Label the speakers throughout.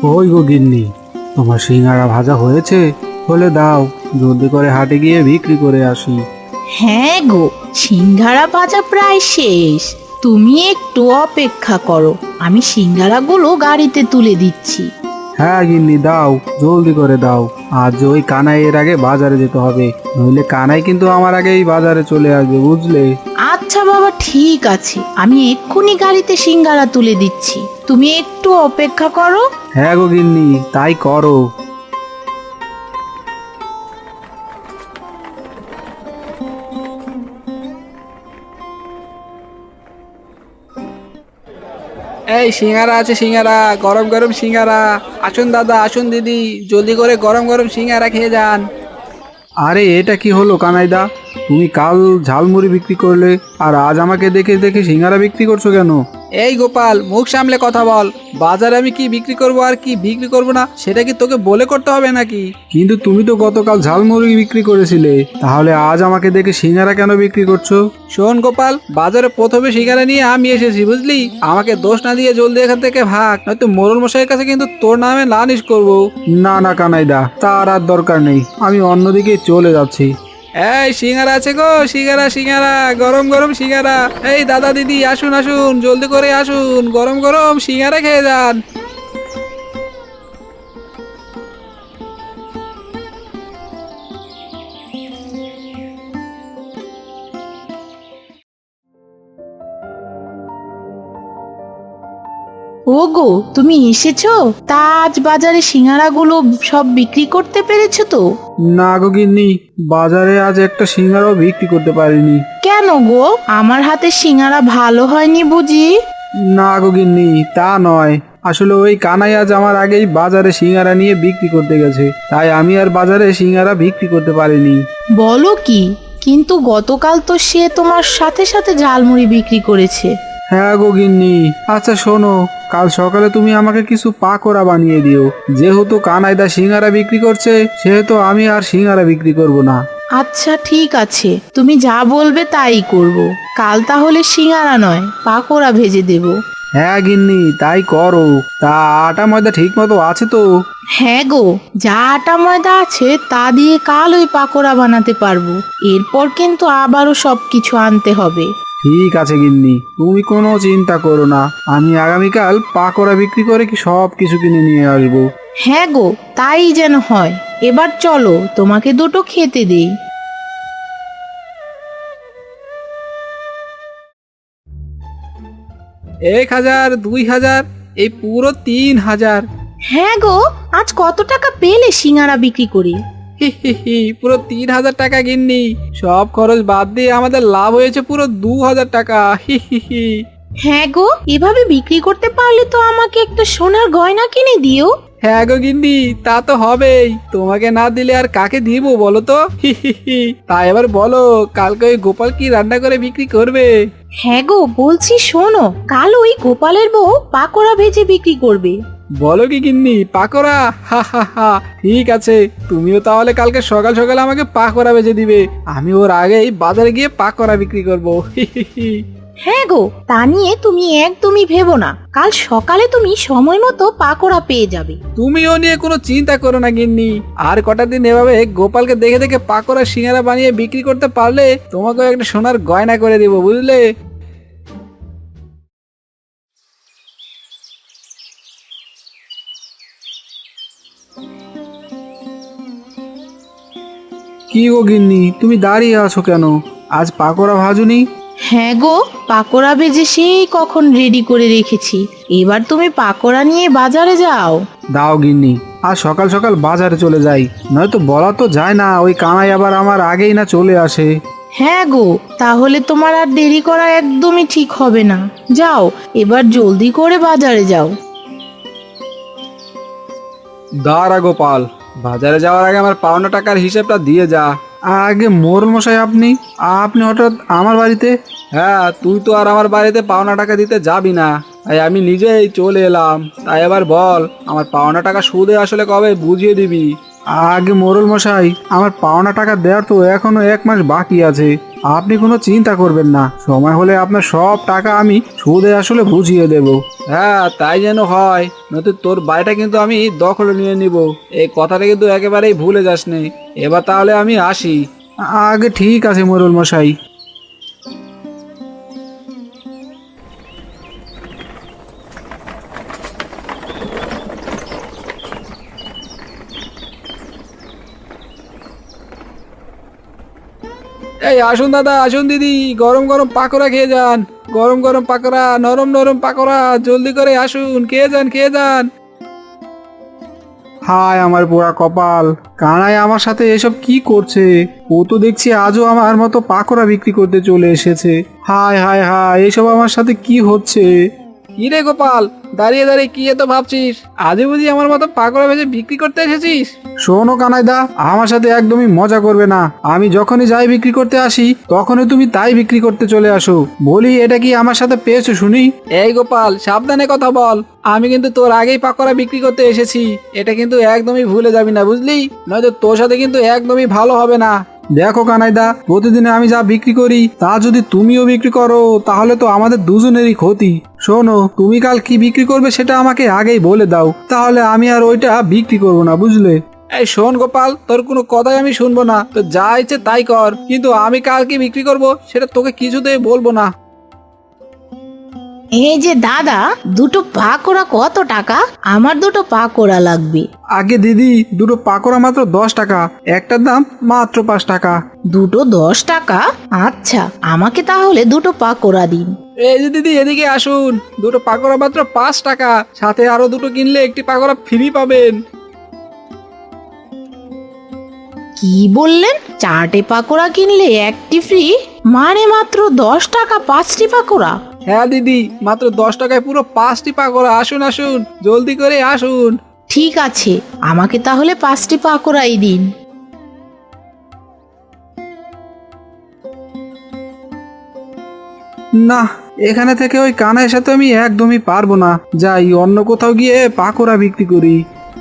Speaker 1: ওই গো গিন্নি, তোমার সিঙ্গারা ভাজা হয়েছে? হলে দাও, জলদি করে হাটে গিয়ে বিক্রি করে আসি।
Speaker 2: হ্যাঁ গো, সিঙ্গারা ভাজা প্রায় শেষ। তুমি একটু অপেক্ষা করো, আমি সিঙ্গারাগুলো গাড়িতে তুলে দিচ্ছি।
Speaker 1: হ্যাঁ গিন্নি, দাও, জলদি করে দাও। আজ ওই কানাইয়ের আগে বাজারে যেতে হবে, নইলে কানাই কিন্তু আমার আগেই বাজারে চলে আসবে, বুঝলে?
Speaker 2: আচ্ছা বাবা, ঠিক আছে, আমি এক্ষুনি গাড়িতে সিঙ্গারা তুলে দিচ্ছি, তুমি একটু অপেক্ষা করো।
Speaker 1: হ্যাঁ গো গিন্নি, তাই করো।
Speaker 3: এই সিঙ্গারা আছে, সিঙ্গারা, গরম গরম সিঙ্গারা। আসুন দাদা, আসুন দিদি, জলদি করে গরম গরম সিঙ্গারা খেয়ে যান।
Speaker 1: আরে এটা কি হলো কানাইদা? তুমি কাল ঝালমুড়ি বিক্রি করলে, আর আজ আমাকে দেখে দেখে সিঙ্গারা বিক্রি করছো কেন?
Speaker 3: এই গোপাল, মুখ সামলে কথা বল। বাজারে আমি কি বিক্রি করব আর কি বিক্রি করব না সেটা কি তোকে বলে করতে হবে নাকি?
Speaker 1: কিন্তু তুমি তো গতকাল ঝালমুড়ি বিক্রি করেছিলে, তাহলে আজ আমাকে দেখে সিঙ্গারা কেন বিক্রি করছো?
Speaker 3: শোন গোপাল, বাজারে প্রথমে সিঙ্গারা নিয়ে আমি এসেছি, বুঝলি? আমাকে দোষ না দিয়ে জলদি এখান থেকে ভাগ, নয়তো মোড়ল মশাইয়ের কাছে কিন্তু তোর নামে নালিশ করবো।
Speaker 1: না না কানাইদা, তার আর দরকার নেই, আমি অন্যদিকে চলে যাচ্ছি।
Speaker 3: এই সিঙ্গারা আছে গো, সিঙ্গারা, সিঙ্গারা, গরম গরম সিঙ্গারা। এই দাদা দিদি, আসুন আসুন, জলদি করে আসুন, গরম গরম সিঙ্গারা খেয়ে যান।
Speaker 2: ওগো, তুমি এসেছো? তা আজ বাজারে সিঙ্গারাগুলো সব বিক্রি করতে পেরেছো তো?
Speaker 1: না গো গিন্নি, বাজারে আজ একটা সিঙ্গারাও বিক্রি করতে পারিনি।
Speaker 2: কেন গো, আমার হাতে সিঙ্গারা ভালো হয়নি বুঝি?
Speaker 1: না গো গিন্নি, তা নয়, আসলে ওই কানাই আজ আমার আগেই বাজারে সিঙ্গারা নিয়ে বিক্রি করতে গেছে, তাই আমি আর বাজারে সিঙ্গারা বিক্রি করতে পারিনি।
Speaker 2: বলো কি? কিন্তু গতকাল তো সে তোমার সাথে সাথে ঝালমুড়ি বিক্রি করেছে।
Speaker 1: হ্যাঁ গো গিন্নি, আচ্ছা শোনো, কাল সকালে তুমি আমাকে কিছু পাকোড়া বানিয়ে দিও। যেহেতু কানাইদা সিঙ্গারা বিক্রি করছে, সেহেতু আমি আর সিঙ্গারা বিক্রি করব না।
Speaker 2: আচ্ছা ঠিক আছে, তুমি যা বলবে তাই করব। কাল তাহলে সিঙ্গারা নয়, পাকোড়া ভেজে দেব।
Speaker 1: হ্যাঁ গিন্নি, তাই করো। তা আটা ময়দা ঠিক মতো আছে তো?
Speaker 2: হ্যাঁ গো, যা আটা ময়দা আছে তা দিয়ে কাল ওই পাকোড়া বানাতে পারবো। এরপর কিন্তু আবারও সবকিছু আনতে হবে।
Speaker 1: ঠিক আছে গিন্নি, তুমি কোনো চিন্তা করো না, আমি আগামীকাল পাকোড়া বিক্রি করে কি সব কিছু কিনে নিয়ে আসবো।
Speaker 2: হ্যাঁ গো, তাই যেন হয়। এবার চলো, তোমাকে দুটো খেতে দেই।
Speaker 3: 1,000, 2,000, এই পুরো 3,000।
Speaker 2: হ্যাঁ গো, আজ কত টাকা পেলে সিঙ্গারা বিক্রি করে?
Speaker 3: হি হি হি, পুরো 3,000 টাকা গিন্নি। সব খরচ বাদ দিয়ে আমাদের লাভ হয়েছে পুরো 2,000 টাকা। হি হি হি।
Speaker 2: হ্যাঁ গো, এভাবে বিক্রি করতে পারলে তো আমাকে একটা সোনার গয়না কিনে দিও।
Speaker 3: হ্যাঁ গো গিন্নি, তা তো হবেই, তোমাকে না দিলে আর কাকে দিব বলো তো? হি হি হি। তা এবার বলো, কালকে ওই গোপাল কি রান্না করে বিক্রি করবে?
Speaker 2: হ্যাঁ গো, বলছি শোনো, কাল ওই গোপালের বউ পাকোড়া ভেজে বিক্রি করবে।
Speaker 3: বলো কি গিন্নি, পাকোড়া? হা হা হা, ঠিক আছে, তুমিও তাহলে কালকে সকাল সকাল আমাকে পাকোড়া ভেজে দিবে, আমি ওর আগেই বাজারে গিয়ে পাকোড়া বিক্রি করবো। হি হি হি।
Speaker 2: হ্যাঁ গো, তা নিয়ে তুমি একদমই ভেবো না, কাল সকালে তুমি সময় মতো পাকোড়া পেয়ে যাবে।
Speaker 3: তুমিও নিয়ে কোনো চিন্তা করো না গিন্নি, আর কটা দিন এভাবে গোপালকে দেখে দেখে পাকোড়া সিঙ্গারা বানিয়ে বিক্রি করতে পারলে তোমাকেও একটা সোনার গয়না করে দিব, বুঝলে?
Speaker 1: কি গো গিন্নি, তুমি দাঁড়িয়ে আছো কেন? আজ পাকোড়া ভাজুনি?
Speaker 2: হ্যাঁ গো, পাকোড়া ভেজে সেই কখন রেডি করে রেখেছি, এবার তুমি পাকোড়া নিয়ে বাজারে যাও।
Speaker 1: দাও গিন্নি, আজ সকাল সকাল বাজারে চলে যাই, নয়তো বলা তো যায় না, ওই কানাই আবার আমার আগেই না চলে আসে।
Speaker 2: হ্যাঁ গো, তাহলে তোমার আর দেরি করা একদমই ঠিক হবে না। যাও, এবার জলদি করে বাজারে যাও।
Speaker 1: দাঁড়া গোপাল, বাজারে যাওয়ার আগে আমার পাওনা টাকার হিসেবটা দিয়ে যা। আগে মোড়ল মশাই, আপনি আপনি হঠাৎ আমার বাড়িতে?
Speaker 3: হ্যাঁ, তুই তো আর আমার বাড়িতে পাওনা টাকা দিতে যাবি না, তাই আমি নিজেই চলে এলাম। তাই এবার বল, আমার পাওনা টাকা সুদে আসলে কবে বুঝিয়ে দিবি?
Speaker 1: আগে মোড়ল মশাই, আমার পাওনা টাকা দেওয়ার তো এখনো 1 মাস বাকি আছে। আপনি কোনো চিন্তা করবেন না, সময় হলে আপনার সব টাকা আমি সুদে আসলে বুঝিয়ে দেব।
Speaker 3: হ্যাঁ, তাই যেন হয়, নয়তো তোর বাড়িটা কিন্তু আমি দখলে নিয়ে নিব। এই কথাটা কিন্তু একেবারেই ভুলে যাস নে। এবার তাহলে আমি আসি।
Speaker 1: আগে ঠিক আছে মোড়ল মশাই।
Speaker 3: এই আসুন দাদা, আসুন দিদি, গরম গরম পাকোড়া খেয়ে যান। গরম গরম পাকোড়া, নরম নরম পাকোড়া, জলদি করে আসুন, খেয়ে যান খেয়ে যান।
Speaker 1: হায় আমার পোড়া কপাল, কানাই আমার সাথে এসব কি করছে? ও তো দেখছি আজও আমার মতো পাকোড়া বিক্রি করতে চলে এসেছে। হায় হায় হায়, এসব আমার সাথে কি হচ্ছে?
Speaker 3: কি রে গোপাল, দাঁড়িয়ে দাঁড়িয়ে কি এত ভাবছিস? আজে বুঝি আমার মতো পাকোড়া ভেজে বিক্রি করতে এসেছিস?
Speaker 1: শোনো কানাইদা, আমার সাথে একদমই মজা করবে না। আমি যখনই যাই বিক্রি করতে আসি, তখনই তুমি তাই বিক্রি করতে চলে আসো। বলি, এটা কি আমার সাথে পেয়েছো শুনি?
Speaker 3: এই গোপাল, সাবধানে কথা বল। আমি কিন্তু তোর আগেই পাকোড়া বিক্রি করতে এসেছি। এটা কিন্তু একদমই ভুলে যাবি না, বুঝলি? নয়তো তোর সাথে কিন্তু একদমই ভালো হবে না।
Speaker 1: দেখো কানাইদা, প্রতিদিনে আমি যা বিক্রি করি তা যদি তুমিও বিক্রি করো, তাহলে তো আমাদের দুজনেরই ক্ষতি। শোনো, তুমি কাল কি বিক্রি করবে সেটা আমাকে আগেই বলে দাও, তাহলে আমি আর ওইটা বিক্রি করবো না, বুঝলে?
Speaker 3: এই শোন গোপাল, তোর কোনো কথাই আমি শুনবো না। তো যা ইচ্ছে তাই কর, কিন্তু আমি কাল কি বিক্রি করব সেটা তোকে কিছুতেই বলবো না।
Speaker 2: এই যে দাদা, দুটো পাকোড়া কত টাকা? আমার দুটো পাকোড়া লাগবে।
Speaker 1: আগে দিদি, দুটো পাকোড়া মাত্র 10 টাকা, একটার দাম মাত্র 5 টাকা।
Speaker 2: দুটো 10 টাকা? আচ্ছা, আমাকে তাহলে দুটো পাকোড়া দিন।
Speaker 3: এই যে দিদি, এদিকে আসুন। দুটো পাকোড়া মাত্র 5 টাকা, সাথে আরো দুটো কিনলে একটি পাকোড়া ফ্রি পাবেন।
Speaker 2: কি বললেন? 4টে পাকোড়া কিনলে একটি ফ্রি? মানে মাত্র 10 টাকা 5টি পাকোড়া?
Speaker 3: হ্যাঁ দিদি, মাত্র 10 টাকায় পুরো 5টি পাকোড়া। আসুন আসুন, জলদি করে আসুন।
Speaker 2: ঠিক আছে, আমাকে তাহলে 5টি পাকোড়াই দিন।
Speaker 1: না, এখানে থেকে ওই কানাইয়ের সাথে আমি একদমই পারবো না। যাই অন্য কোথাও গিয়ে পাকোড়া বিক্রি করি।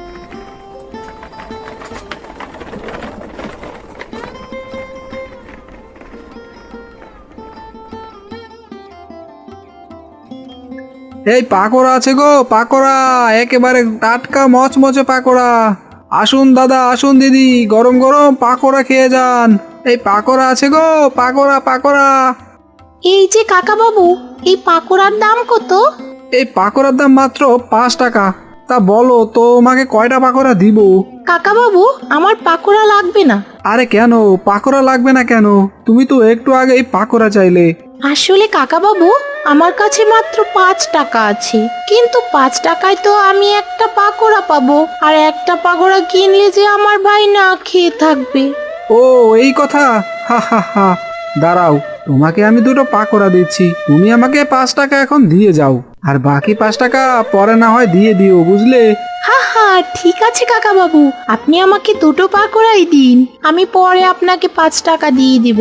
Speaker 1: এই পাকোড়া আছে গো, পাকোড়া, একেবারে টাটকা মচমচে পাকোড়া। আসুন দাদা, আসুন দিদি, গরম গরম পাকোড়া খেয়ে যান। এই পাকোড়া আছে গো, পাকোড়া পাকোড়া।
Speaker 2: এই যে কাকা বাবু, এই পাকোড়ার দাম কত?
Speaker 1: এই পাকোড়ার দাম মাত্র 5 টাকা। তা বলো, তোমাকে কয়টা পাকোড়া দিব?
Speaker 2: কাকা বাবু, আমার পাকোড়া লাগবে না।
Speaker 1: আরে কেন পাকোড়া লাগবে না কেন? তুমি তো একটু আগেই পাকোড়া চাইলে।
Speaker 2: আসলে কাকা বাবু, আমার কাছে মাত্র 5 টাকা আছে, কিন্তু 5 টাকায় তো আমি একটা পাকোড়া পাবো, আর একটা পাকোড়া কিনলে যে আমার ভাই না খেয়ে থাকবে।
Speaker 1: ও এই কথা, হা হা হা। দাঁড়াও, তোমাকে আমি দুটো পাকোড়া দিচ্ছি, তুমি আমাকে 5 টাকা এখন দিয়ে যাও, আর বাকি 5 টাকা পরে না হয় দিয়ে দিও, বুঝলে?
Speaker 2: হা হা, ঠিক আছে কাকা বাবু, আপনি আমাকে দুটো পাকোড়াই দিন, আমি পরে আপনাকে 5 টাকা দিয়ে দিব।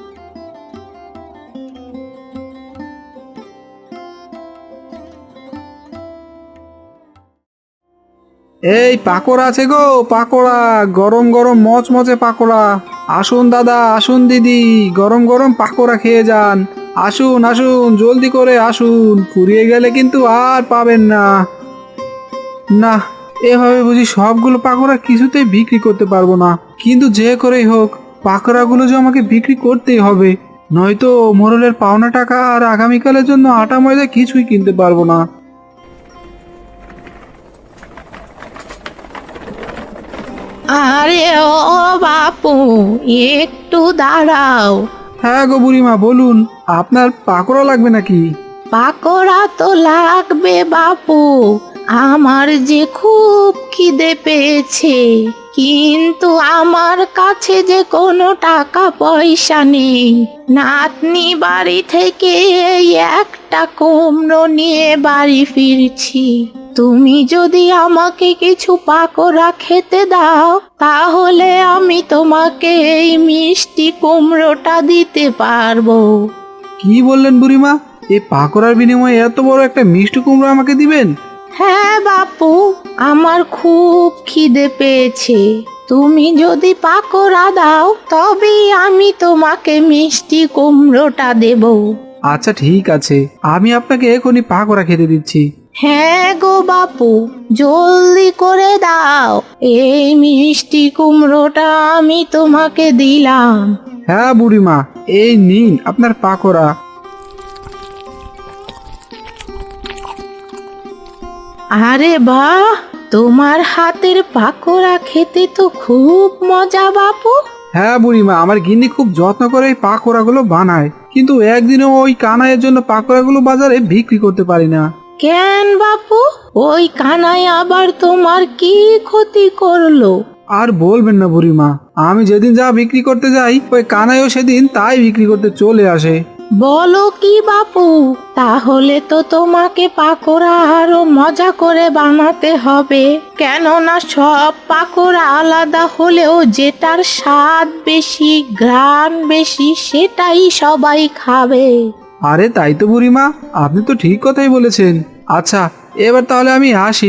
Speaker 1: এই পাকোড়া আছে গো, পাকোড়া, গরম গরম মচমচে পাকোড়া। আসুন দাদা, আসুন দিদি, গরম গরম পাকোড়া খেয়ে যান। আসুন আসুন, জলদি করে আসুন, ফুরিয়ে গেলে কিন্তু আর পাবেন না। না, এভাবে বুঝি সবগুলো পাকোড়া কিছুতেই বিক্রি করতে পারবো না। কিন্তু যে করেই হোক, পাকোড়াগুলো যে আমাকে বিক্রি করতেই হবে, নয়তো মোড়লের পাওনা টাকা আর আগামীকালের জন্য আটা ময়দা কিছুই কিনতে পারবো না।
Speaker 2: আরে ও বাপু, একটু দাঁড়াও।
Speaker 1: হ্যাঁ গো বুড়িমা, বলুন, আপনার পাকোড়া লাগবে নাকি?
Speaker 2: পাকোড়া তো লাগবে বাপু, আমার যে খুব খিদে পেয়েছে, কিন্তু আমার কাছে যে কোনো টাকা পয়সা নেই। নাতনি বাড়ি থেকে এই একটা কুমড়ো নিয়ে বাড়ি ফিরছি। তুমি যদি আমাকে কিছু পাকোড়া খেতে দাও, তাহলে আমি তোমাকে এই মিষ্টি কুমড়োটা দিতে পারবো।
Speaker 1: কি বললেন বুড়িমা? এই পাকোড়ার বিনিময়ে এত বড় একটা মিষ্টি কুমড়ো আমাকে দিবেন?
Speaker 2: হ্যাঁ বাপু, আমার খুব খিদে পেয়েছে। তুমি যদি পাকোড়া দাও তবেই আমি তোমাকে মিষ্টি কুমড়োটা দেব।
Speaker 1: আচ্ছা ঠিক আছে, আমি আপনাকে এখনই পাকোড়া খেতে দিচ্ছি।
Speaker 2: হ্যাঁ গো বাপু, জলদি করে দাও, এই মিষ্টি কুমড়োটা আমি তোমাকে দিলাম।
Speaker 1: হ্যাঁ বুড়িমা, এই নিন আপনার পাকোড়া।
Speaker 2: আরে বাহ, তোমার হাতের পাকোড়া খেতে তো খুব মজা বাপু।
Speaker 1: হ্যাঁ বুড়িমা, আমার গিন্নি খুব যত্ন করে এই পাকোড়াগুলো বানায়, কিন্তু একদিনও ওই কানাইয়ের জন্য পাকোড়াগুলো বাজারে বিক্রি করতে পারি না।
Speaker 2: কেন বাপু, ওই কানাই আবার তোমার কি ক্ষতি করলো?
Speaker 1: আর বলবেন না বুড়িমা, আমি যেদিন যা বিক্রি করতে যাই ওই কানাইও সেদিন তাই বিক্রি করতে চলে আসে।
Speaker 2: বলো কি বাপু, তাহলে তো তোমাকে পাকোড়া আরো মজা করে বানাতে হবে, কেননা সব পাকোড়া আলাদা হলেও যেটার স্বাদ বেশি, ঘ্রাণ বেশি, সেটাই সবাই খাবে।
Speaker 1: আরে তাই তো বুড়িমা, আপনি তো ঠিক কথাই বলেছেন। আচ্ছা, এবার তাহলে আমি আসি।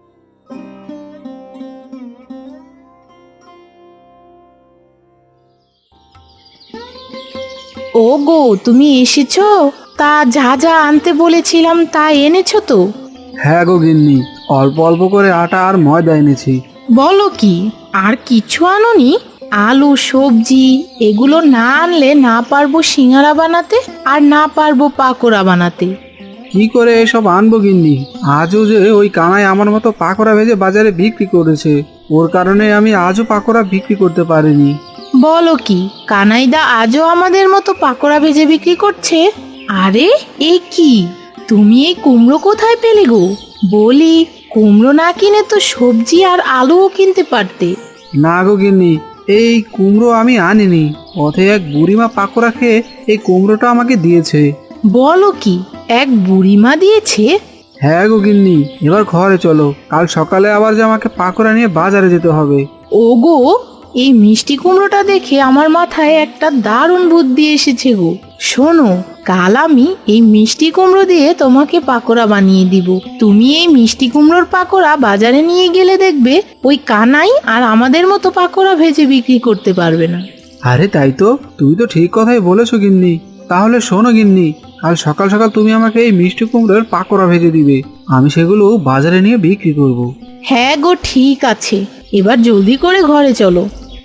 Speaker 2: ওগো, তুমি এসেছো? তা যা যা আনতে বলেছিলাম তা এনেছো তো?
Speaker 1: হ্যাঁ গো গিন্নি, অল্প অল্প করে আটা আর ময়দা এনেছি।
Speaker 2: বলো কি, আর কিছু আনোনি? আলু, সবজি এগুলো না আনলে না পারবো সিঙ্গারা বানাতে, আর না পারবো পাকোড়া বানাতে।
Speaker 1: কি করে এসব আনবো গিন্নি? আজও যে ওই কানাই আমার মতো পাকোড়া ভেজে বাজারে বিক্রি করেছে, ওর কারণে আমি আজও পাকোড়া বিক্রি করতে পারিনি।
Speaker 2: বলো কি, কানাইদা আজও আমাদের মতো পাকোড়া ভেজে বিক্রি করছে? আরে এ কি, তুমি এই কুমড়ো কোথায় পেলে গো? বলি, কুমড়ো না কিনে তো সবজি আর আলুও কিনতে পারতে।
Speaker 1: না গো গিন্নি, এই কুমড়ো আমি আনিনি, পথে এক বুড়িমা পাকোড়া খেয়ে এই কুমড়োটা আমাকে দিয়েছে।
Speaker 2: বলো কি, এক বুড়িমা দিয়েছে?
Speaker 1: হ্যাঁ গো গিন্নি, এবার ঘরে চলো, কাল সকালে আবার যে আমাকে পাকোড়া নিয়ে বাজারে যেতে হবে।
Speaker 2: ওগো, এই মিষ্টি কুমড়োটা দেখে আমার মাথায় একটা দারুণ বুদ্ধি এসেছে গো। শোনো, কাল আমি এই মিষ্টি কুমড়ো দিয়ে তোমাকে পাকোড়া বানিয়ে দিব। তুমি এই মিষ্টি কুমড়োর পাকোড়া বাজারে নিয়ে গেলে দেখবে ওই কানাই আর আমাদের মতো পাকোড়া ভেজে বিক্রি করতে পারবে না।
Speaker 1: আরে তাই তো, তুমি তো ঠিক কথাই বলেছো গিন্নি। তাহলে শোনো গিন্নি, কাল সকাল সকাল তুমি আমাকে এই মিষ্টি কুমড়োর পাকোড়া ভেজে দিবে, আমি সেগুলো বাজারে নিয়ে বিক্রি করব।
Speaker 2: হ্যাঁ গো, ঠিক আছে, এবার জলদি করে ঘরে চলো।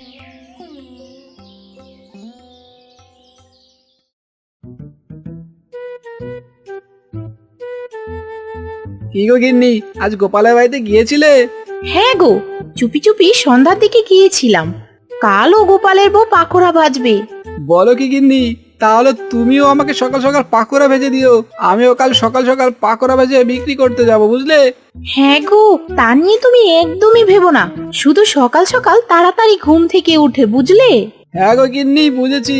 Speaker 3: কি গো গিন্নি, আজ গোপালের বাড়িতে গিয়েছিলে?
Speaker 2: হ্যাঁ গো, চুপি চুপি সন্ধ্যার দিকে গিয়েছিলাম। কালও গোপালের বউ পাকোড়া ভাজবে।
Speaker 3: বলো কি গিন্নি, তাহলে তুমিও আমাকে সকাল সকাল পাকোড়া ভেজে দিও, আমিও কাল সকাল সকাল পাকোড়া ভেজে বিক্রি করতে যাব, বুঝলে?
Speaker 2: হ্যাঁ গো, তা নিয়ে তুমি একদমই ভেবো না, শুধু সকাল সকাল তাড়াতাড়ি ঘুম থেকে উঠে, বুঝলে?
Speaker 3: হ্যাঁ গো গিন্নি, বুঝেছি।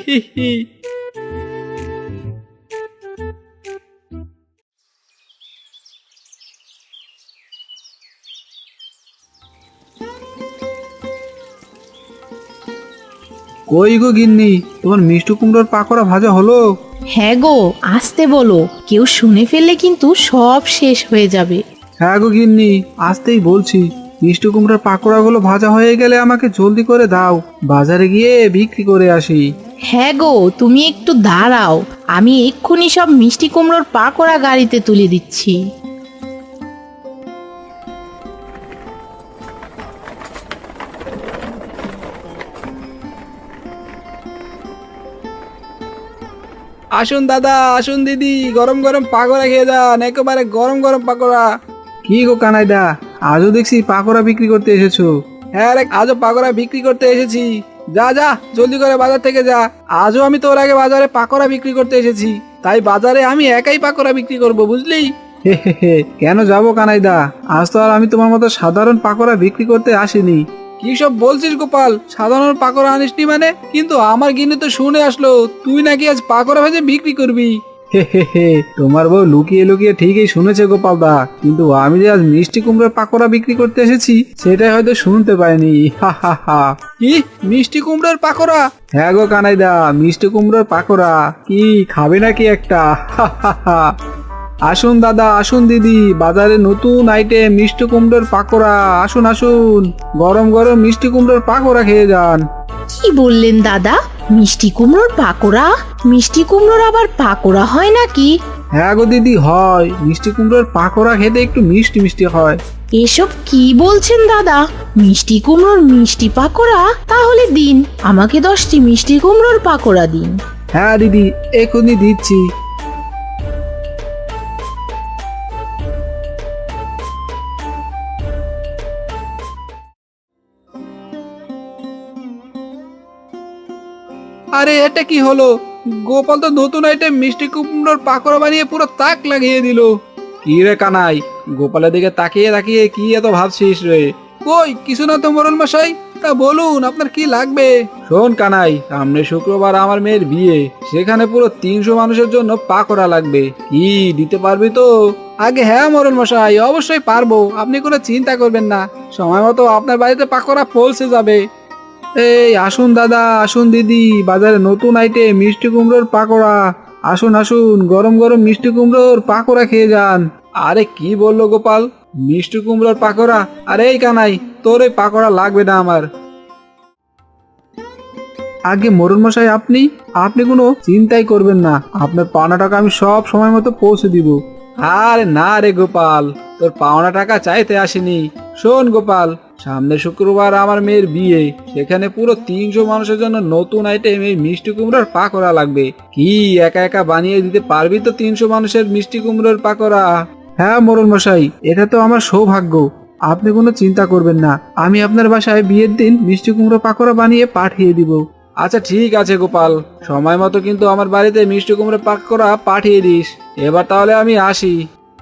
Speaker 1: কই গো গিন্নি, তোমার মিষ্টি কুমড়োর পাকোড়া ভাজা হলো?
Speaker 2: হ্যাঁ গো, আসতে বলো, কেউ শুনে ফেললে কিন্তু সব শেষ হয়ে যাবে।
Speaker 1: হ্যাঁ গো গিন্নি, আসতেই বলছি। মিষ্টি কুমড়োর পাকোড়াগুলো ভাজা হয়ে গেলে আমাকে জলদি করে দাও, বাজারে গিয়ে বিক্রি করে আসি।
Speaker 2: হ্যাঁ গো, তুমি একটু দাঁড়াও, আমি এক্ষুনি সব মিষ্টি কুমড়োর পাকোড়া গাড়িতে তুলে দিচ্ছি।
Speaker 3: আসুন দাদা, আসুন দিদি, গরম গরম পাকোড়া খেয়ে যান, একেবারে গরম গরম পাকোড়া।
Speaker 1: কি গো কানাইদা, আজও দেখছি পাকোড়া বিক্রি করতে এসেছো?
Speaker 3: হ্যাঁ রে, আজও পাকোড়া বিক্রি করতে এসেছি। যা যা, জলদি করে বাজার থেকে যা। আজও আমি তোর আগে বাজারে পাকোড়া বিক্রি করতে এসেছি, তাই বাজারে আমি একাই পাকোড়া বিক্রি করব, বুঝলি?
Speaker 1: হে হে হে, কেন যাবো কানাইদা, আজ তো আর আমি তোমার মতো সাধারণ পাকোড়া বিক্রি করতে আসিনি।
Speaker 3: কি সব বলছিস গোপাল, সাধারণ পাকোড়া আনিসনি মানে? কিন্তু আমার গিন্নি তো শুনে আসলো তুই নাকি আজ পাকোড়া ভেজে বিক্রি করবি।
Speaker 1: হে হে হে, তোমার বউ লুকিয়ে লুকিয়ে ঠিকই শুনেছে গোপাল দা, কিন্তু আমি যে আজ মিষ্টি কুমড়োর পাকোড়া বিক্রি করতে এসেছি সেটাই হয়তো শুনতে পাইনি। হা হা হা।
Speaker 3: কি, মিষ্টি কুমড়োর পাকোড়া?
Speaker 1: হ্যাঁ গো কানাইদা, মিষ্টি কুমড়োর পাকোড়া, কি খাবে নাকি একটা? হা হা হা। আসুন দাদা, আসুন দিদি, বাজারে নতুন আইটেম মিষ্টি কুমড়োর পাকোড়া। আসুন আসুন, গরম গরম মিষ্টি কুমড়োর পাকোড়া খেয়ে যান।
Speaker 2: কি বললেন দাদা? মিষ্টি কুমড়োর পাকোড়া? মিষ্টি কুমড়োর আবার পাকোড়া হয় নাকি?
Speaker 1: হ্যাঁ গো দিদি, হয়। মিষ্টি কুমড়োর পাকোড়া খেতে একটু মিষ্টি মিষ্টি হয়।
Speaker 2: এসব কি বলছেন দাদা? মিষ্টি কুমড়োর মিষ্টি পাকোড়া? তাহলে দিন, আমাকে 10টি মিষ্টি কুমড়োর পাকোড়া দিন।
Speaker 1: হ্যাঁ দিদি, এখনই দিচ্ছি। আরে এটা কি হলো? গোপাল তো নতুন আইটেম মিষ্টি কুমড়োর পাকোড়া বানিয়ে পুরো তাক লাগিয়ে দিল। কি রে কানাই, গোপালের দিকে তাকিয়ে তাকিয়ে কি এত ভাবছিস রে? কই কিছু না তো মোড়ল মশাই। তা বলুন আপনার কি লাগবে? শোন কানাই, সামনে শুক্রবার আমার মেয়ের বিয়ে, সেখানে পুরো 300 মানুষের জন্য পাকোড়া লাগবে। কি দিতে পারবি তো? আগে হ্যাঁ মোড়ল মশাই, অবশ্যই পারবো, আপনি কোনো চিন্তা করবেন না। সময় মতো আপনার বাড়িতে পাকোড়া পৌঁছে যাবে। এই আসুন দাদা, আসুন দিদি, বাজারে নতুন আইটেম মিষ্টি কুমড়োর পাকোড়া। আসুন আসুন, গরম গরম মিষ্টি কুমড়োর পাকোড়া খেয়ে যান। আরে কি বললো গোপাল, মিষ্টি কুমড়োর পাকোড়া? আরে এই কানাই, তোর এই পাকোড়া লাগবে না আমার। আগে মোড়ল মশাই, আপনি আপনি কোনো চিন্তাই করবেন না, আপনার পাওনা টাকা আমি সব সময় মতো পৌঁছে দিব। আরে না রে গোপাল, তোর পাওনা টাকা চাইতে আসেনি। শোন গোপাল, সামনে শুক্রবার আমার মেয়ের বিয়ে, সেখানে পুরো 300 মানুষের জন্য নতুন আইটেম এই মিষ্টি কুমড়োর পাকোড়া লাগবে। কি একা একা বানিয়ে দিতে পারবি তো 300 মানুষের মিষ্টি কুমড়োর পাকোড়া? হ্যাঁ মোড়ল মশাই, এটা তো আমার সৌভাগ্য। আপনি কোনো চিন্তা করবেন না, আমি আপনার বাসায় বিয়ের দিন মিষ্টি কুমড়ো পাকোড়া বানিয়ে পাঠিয়ে দিব। আচ্ছা ঠিক আছে গোপাল, সময় মতো কিন্তু আমার বাড়িতে মিষ্টি কুমড়ো পাকোড়া পাঠিয়ে দিস। এবার তাহলে আমি আসি।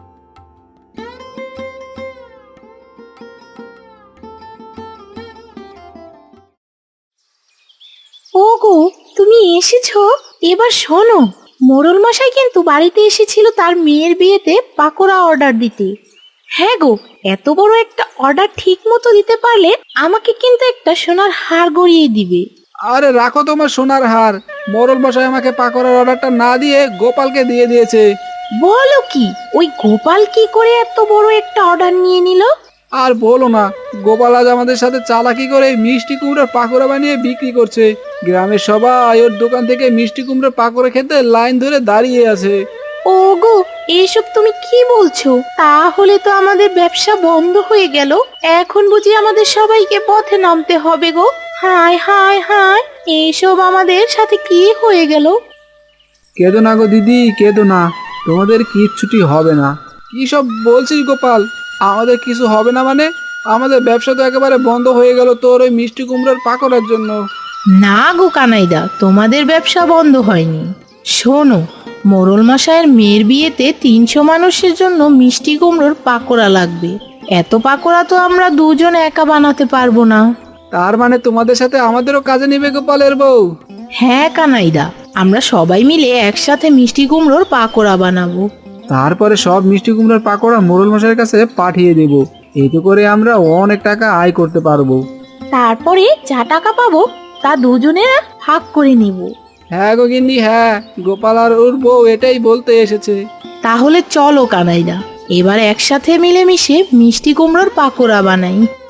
Speaker 2: ওগো, তুমি এসেছো? এবার শোনো, মোড়ল মশাই কিন্তু বাড়িতে এসেছিল তার মেয়ের বিয়েতে পাকোড়া অর্ডার দিতে। হ্যাঁ গো, এত বড় একটা অর্ডার ঠিক মতো দিতে পারলে আমাকে কিন্তু একটা সোনার হার গড়িয়ে দিবে।
Speaker 1: আরে রাখো তোমার সোনার হার, মোড়ল মশাই আমাকে পাকোড়ার অর্ডারটা না দিয়ে গোপালকে দিয়ে দিয়েছে।
Speaker 2: বলো কি, ওই গোপাল কি করে এত বড় একটা অর্ডার নিয়ে নিল?
Speaker 1: আর বলো না, গোপাল আজ আমাদের সাথে চালাকি করে মিষ্টি কুমড়োর পাকোড়া বানিয়ে বিক্রি করছে। গ্রামের সবাই ওর দোকান থেকে মিষ্টি কুমড়োর পাকোড়া খেতে লাইন ধরে দাঁড়িয়ে আছে।
Speaker 2: ওগো, এসব তুমি কি বলছো? তাহলে তো আমাদের ব্যবসা বন্ধ হয়ে গেল। এখন বুঝি আমাদের সবাইকে পথে নামতে হবে গো। হায় হায় হায়, এইসব আমাদের সাথে কি হয়ে গেল?
Speaker 1: কেঁদো না গো দিদি, কেঁদো না, তোমাদের কিচ্ছুটি হবে না। কি সব বলছিস গোপাল? আমাদের কিছু হবে না মানে? আমাদের ব্যবসা তো একেবারে বন্ধ হয়ে গেল তোর ওই মিষ্টি কুমড়োর পাকোড়ার জন্য।
Speaker 2: না গো কানাইদা, তোমাদের ব্যবসা বন্ধ হয়নি। শোনো, মোড়ল মশাইয়ের মেয়ের বিয়েতে 300 মানুষের জন্য মিষ্টি কুমড়োর পাকোড়া লাগবে। এত পাকোড়া তো আমরা দুজন একা বানাতে পারবো না।
Speaker 1: তার মানে তোমাদের সাথে আমাদেরও কাজে নিবে গোপালের বউ?
Speaker 2: হ্যাঁ কানাইদা, আমরা সবাই মিলে একসাথে মিষ্টি কুমড়োর পাকোড়া বানাবো।
Speaker 1: তারপরে সব মিষ্টি কুমড়োর পাকোড়া মোড়ল মশাইয়ের কাছে পাঠিয়ে দেব। এতে করে আমরা অনেক টাকা আয় করতে পারবো।
Speaker 2: তারপরে যা টাকা পাবো তা দুজনেরা ভাগ করে নিব।
Speaker 1: হ্যাঁ গো গিন্নি, হ্যাঁ, গোপাল আর ওর বউ এটাই বলতে এসেছে।
Speaker 2: তাহলে চলো কানাইদা, এবার একসাথে মিলেমিশে মিষ্টি কুমড়োর পাকোড়া বানাই।